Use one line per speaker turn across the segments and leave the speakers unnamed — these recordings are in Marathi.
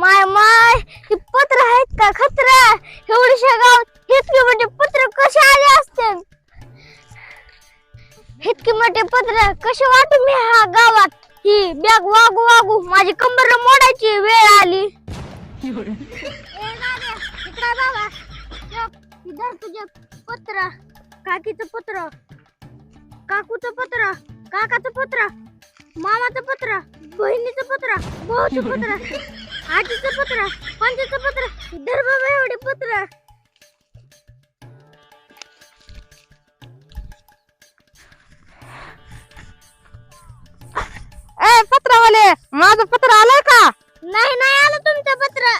माय माय हे पत्र आहेत का खतरा एवढ्याशा गावात इतके मोठे पत्र कसे आले असतील इतके मोठे पत्र कसे वाटू मी ह्या गावात ही बॅग वागू वागू माझी कंबर मोडायची वेळ आली इधर तुझे पत्र काकीचं पत्र काकूचं पत्र काकाचं पत्र मामाचं पत्र बहिणीचं पत्र भाऊचं पत्र आजीचं पत्र पंचाचं पत्र इधर बाबा एवढे पत्र
ए पत्रवाले माझं पत्र आलंय का?
नाही नाही आलं तुमचं पत्र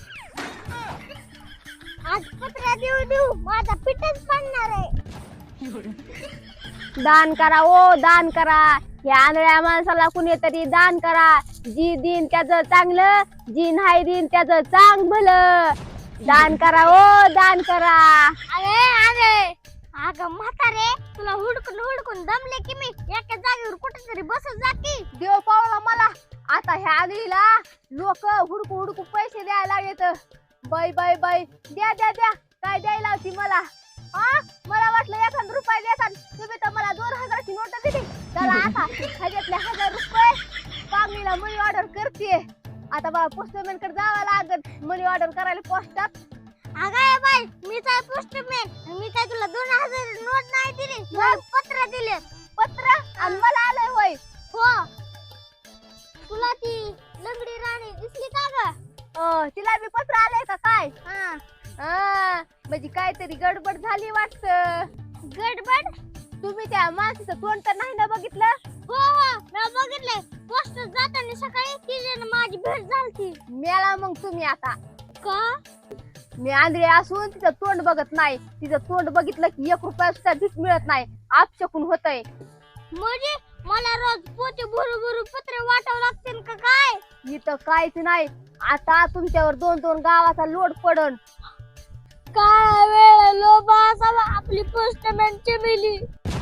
आज पत्र देऊ देऊ माझा पिठच पडणार आहे दान करा ओ दान करा या आंधळ्या माणसाला कुणीतरी दान करा जी दिन त्याचं चांगलं जी नाही दिन त्याचं चांग भलं दान करा ओ दान करा अरे अरे अगं म्हातारे तुला हुडकून हुडकून दमले की मी एका जागेवर कुठेतरी बसत जाती देव पावला मला आता ह्या आंधळीला लोक हुडकू हुडकू पैसे द्यायला लागलेत बाई बाई बाई द्या द्या द्या काय द्यायला होती मला मला वाटलं 1000 रुपये देतात तुम्ही तर मला 2000ची नोट दिली चला आता ह्याच्यातले 1000 रुपये पांगणीला मनी ऑर्डर करते आता मला पोस्टमॅन कडे जावं लागत मनी ऑर्डर करायला पोस्टात अगं बाई मी काय पोस्टमॅन मी काय तुला 2000 नोट नाही दिली मला पत्र दिले पत्र आणि मला आलंय होय हो तुला ती लंगडी राणी दिसली का ग तिला मी पत्र आलंय का काय म्हणजे काहीतरी गडबड झाली वाटत गडबड तुम्ही त्या माणसाचं तोंड तर नाही ना बघितलं हो हो मी बघितलंय पोस्ट जाताना सकाळी तिने माझी भेट झाली मेला मग तुम्ही आता का मी आंधळी असून तिचं तोंड बघत नाही तिचं तोंड बघितलं की 1 रुपया सुद्धा भीक मिळत नाही आपचकून होतय म्हणजे मला रोज पोते भरू भरू पत्र वाटावं लागतील का काय इथं काहीच नाही आता तुमच्यावर 2-2 गावाचा लोड पडन काय वेळ लोबा असावा आपली पोस्टमॅन चिमिली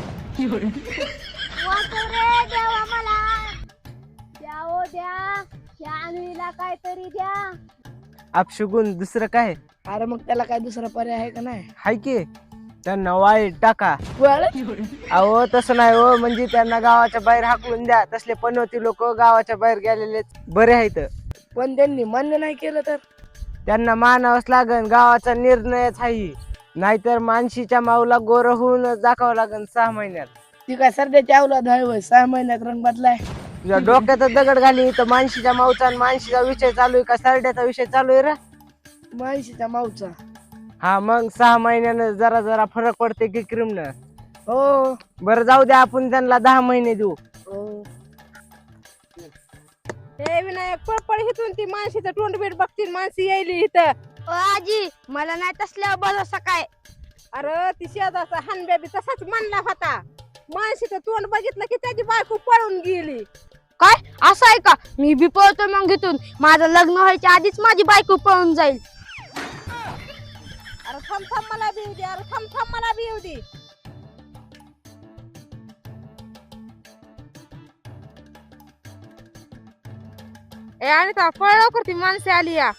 वाचव रे देवा मला द्या ओ द्या या आंधळीला काहीतरी द्या
अपशगुन दुसरं काय
अरे मग त्याला काय दुसरा पर्याय आहे का नाही?
हाय की त्यांना वाईट टाका
बरं?
अहो तसं नाही हो म्हणजे त्यांना गावाच्या बाहेर हाकलून द्या तसले पनवती लोक गावाच्या बाहेर गेलेले बरे आहेत
पण त्यांनी मान्य नाही केलं तर
त्यांना मानावंच लागन गावाचा निर्णयच आहे नाहीतर मानशीच्या माऊला गोर होऊन दाखवावं लागन 6 महिन्यात
ती काय सध्याची अवलाद आहे होय 6 महिन्यात रंग बदलाय
तुझ्या डोक्यात दगड घाली तर मानशीच्या माऊचा आणि मानशीचा विषय चालू आहे का सरड्याचा विषय चालू आहे रे
माहिशीच्या माऊचा
हा मग 6 महिन्यानं जरा जरा फरक पडते की क्रिमनं
हो
बरं जाऊ द्या आपण त्यांना 10 महिने देऊ
हो
हे विनायक पळपळ हिथून ती माणशीचं तोंड बीट बघतील माणसी यायली इथं
आजी मला नाही तसल्या भरोसा काय
अरे ती शेजारचा हानब्या बी तसाच म्हणला होता माणशीचं तोंड बघितलं की त्याची बायको पळून गेली
काय असं आहे का मी बी पळतो मग इथून माझं लग्न व्हायच्या आधीच माझी बायको पळून जाईल
अरे थांब थांब मला बी येऊ दे अरे थांब थांब मला बी येऊ दे ए आणि का फळ लवकर ती माणसे आली या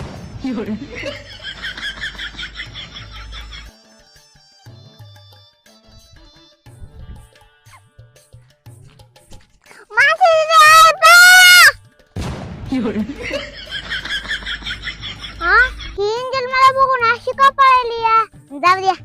ही एंजल मला बघून अशी का पळाली जाऊ द्या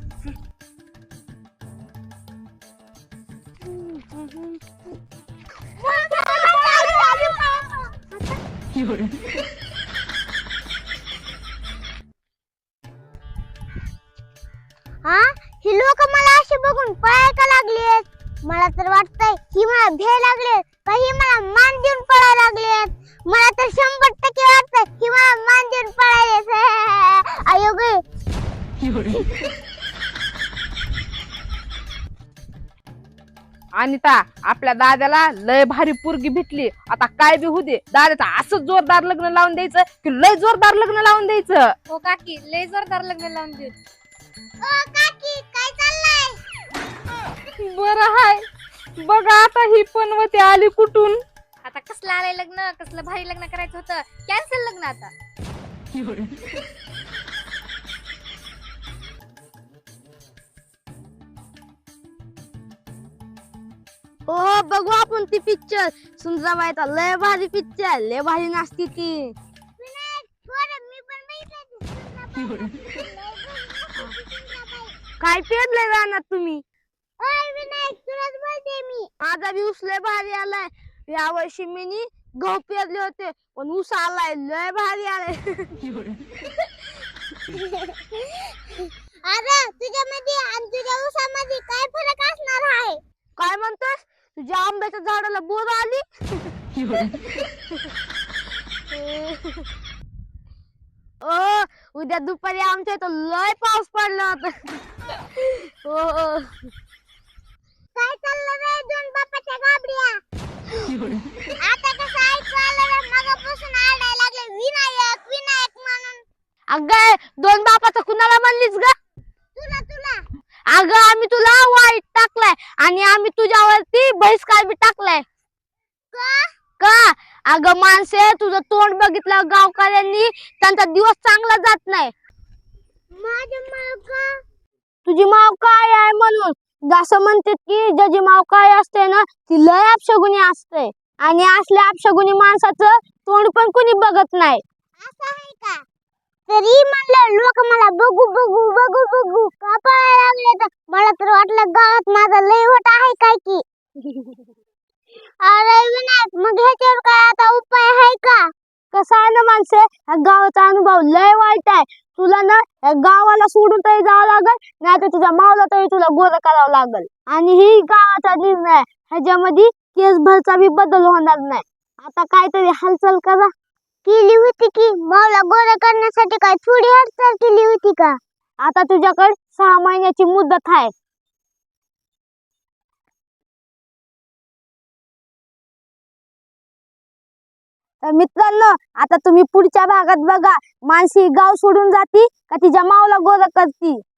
ही लोक मला अशी बघून पळायला का लागलेत मला तर वाटतंय ही मला भे लागले काही मला मान देऊन पळायला लागलेत मला तर 100% वाटतंय ही मला मान देऊन पळायले अयो गे
अनिता आपल्या दादाला लय भारी पोरगी भेटली आता काय बी होऊ दे दादाचं असं जोरदार लग्न लावून द्यायचं की लय जोरदार लग्न लावून द्यायचं
हो काकी लय जोरदार लग्न लावून देऊ ओ काकी काय चाललंय
बरं हाय बघा आता ही पनवती आली कुठून
आता कसलं आलंय लग्न, कसलं भारी लग्न करायचं होतं, कॅन्सल लग्न आता.
हो बघू आपण ती पिक्चर. सुंदराबाईचा लय भारी पिक्चर, लय भारी नाचती ती. काय पेरलंय रानात तुम्ही? माझा बी ऊस लय भारी आलाय. या वर्षी मी गहू पेरले होते पण ऊस आलाय लय भारी आलाय. अरे तुझ्यामध्ये आणि तुझ्या ऊसामध्ये काय फरक असणार आहे? काय म्हणतोस? तुझ्या आंब्याच्या झाडाला बोर आली? ओ उद्या दुपारी आमच्या इथं लय पाऊस पडला होता. हो काय चाललं रे दोन बापाच्या गाबड्या? आता कसं ऐकायला रे, मगापासून आरडायला लागले विनायक विनायक म्हणून. अगं दोन बापाचं कुणाला म्हणलीस ग? तुला तुला. अगं आम्ही तुला वाईट टाकलाय आणि आम्ही तुझ्यावरती बहिष्कार बी टाकलाय. का? अगं माणसे, तुझं तोंड बघितलं गावकऱ्यांनी त्यांचा दिवस चांगला जात नाही. माझी माव का? तुझी माव काय आहे म्हणून? जसं म्हणते की ज्याची माव काय असते ना ती लय अपशगुनी असते आणि असल्या अपशगुनी माणसाचं तोंड पण कुणी बघत नाही. असं आहे का? तरी म्हणलं लोक मला बघू बघू बघू बघू का पळायला लागले, तर मला तर वाटलं गावात माझा लय वट आहे काय की. अरे विनायक, मग ह्याच्यावर काय आता उपाय आहे का? कसं आहे ना माणसे, ह्या गावाचा अनुभव लय वाईट आहे. तुला ना या गावाला सोडून तरी जावं लागल, नाही तर तुझ्या मावला तरी तुला गोरं करावं लागल. आणि ही गावाचा निर्णय आहे. ह्याच्यामध्ये केस भरचा बी बदल होणार नाही. आता काहीतरी हालचाल करा. केली होती की मावला गोरं करण्यासाठी, काय थोडी हालचाल केली होती का? आता तुझ्याकडे 6 महिन्याची मुदत आहे. तर मित्रांनो, आता तुम्ही पुढच्या भागात बघा, मानसी गाव सोडून जाती का तिच्या मावला गोरं करती.